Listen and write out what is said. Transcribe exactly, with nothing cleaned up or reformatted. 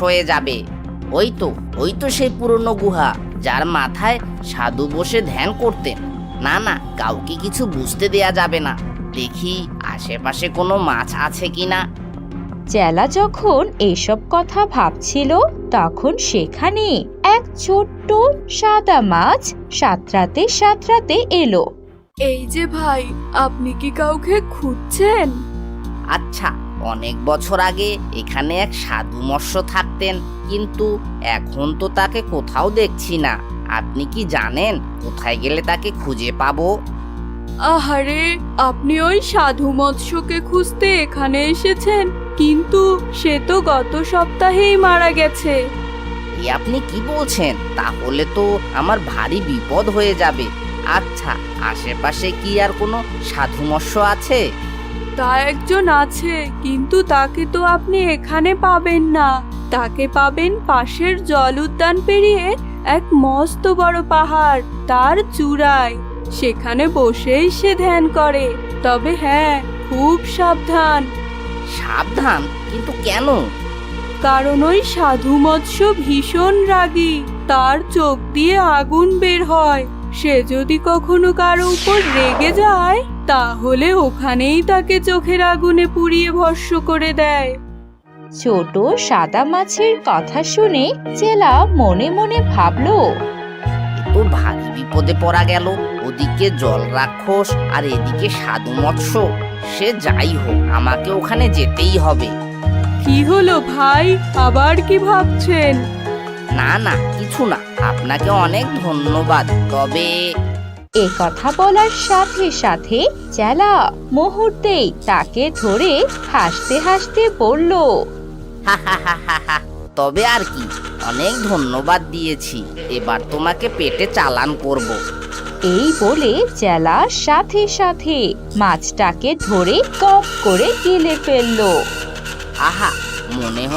হয়ে যাবে। ওই তো ওই তো সেই পুরনো গুহা, যার মাথায় সাধু বসে ধ্যান করতেন। না না, কাউকে কিছু বুঝতে দেয়া যাবে না। দেখি আশেপাশে কোনো মাছ আছে কিনা। চেলা যখন এসব কথা ভাবছিল তখন সেখানে এক ছোট্ট সাদা মাছ সাঁতরাতে সাঁতরাতে এলো। এই যে ভাই, আপনি কি কাউকে খুঁজছেন? আচ্ছা, অনেক বছর আগে এখানে এক সাধু মৎস্য থাকতেন, কিন্তু এখন তো তাকে কোথাও দেখছি না। আপনি কি জানেন কোথায় গেলে তাকে খুঁজে পাবো? আহারে, আপনি ওই সাধু মৎস্যকে খুঁজতে এখানে এসেছেন, কিন্তু সে তো গত সপ্তাহেই মারা গেছে। এ আপনি কি বলছেন? তাহলে তো আমার ভারী বিপদ হয়ে যাবে। আচ্ছা, আশেপাশে কি আর কোনো সাধু মৎস্য আছে? তা একজন আছে, কিন্তু তাকে তো আপনি এখানে পাবেন না। তাকে পাবেন পাশের জল উদ্যান পেরিয়ে এক মস্ত বড় পাহাড়, তার চূড়ায়। সেখানে বসেই সে ধ্যান করে। তবে হ্যাঁ, খুব সাবধান। সাবধান? কিন্তু কেন? কারণ ওই সাধু মৎস্য ভীষণ রাগী, তার চোখ দিয়ে আগুন বের হয়। সে যদি কখনো কারো উপর রেগে যায়, তাহলে ওখানেই তাকে চোখের আগুনে পুড়িয়ে ভস্ম করে দেয়। ছোট সাদা মাছের কথা শুনে চেলা মনে মনে ভাবলো, এ তো ভারী বিপদে পড়া গেল। ওদিকে জল রাক্ষস আর এদিকে সাধু মৎস্য। সে যাই হোক, আমাকে ওখানে যেতেই হবে। কি হলো ভাই, আবার কি ভাবছেন? না না, কিছু না। আপনাকে অনেক ধন্যবাদ। তবে এ কথা বলার সাথে সাথে চেলা মুহূর্তেই তাকে ধরে হাসতে হাসতে বলল, হা হা হা হা হা, তবে আর কি, অনেক ধন্যবাদ দিয়েছি। এবার তোমাকে পেটে চালান করব। এই বলে চেলা সাথে সাথে মাছটাকে ধরে কপ করে গিলে ফেললো। আহা, মনে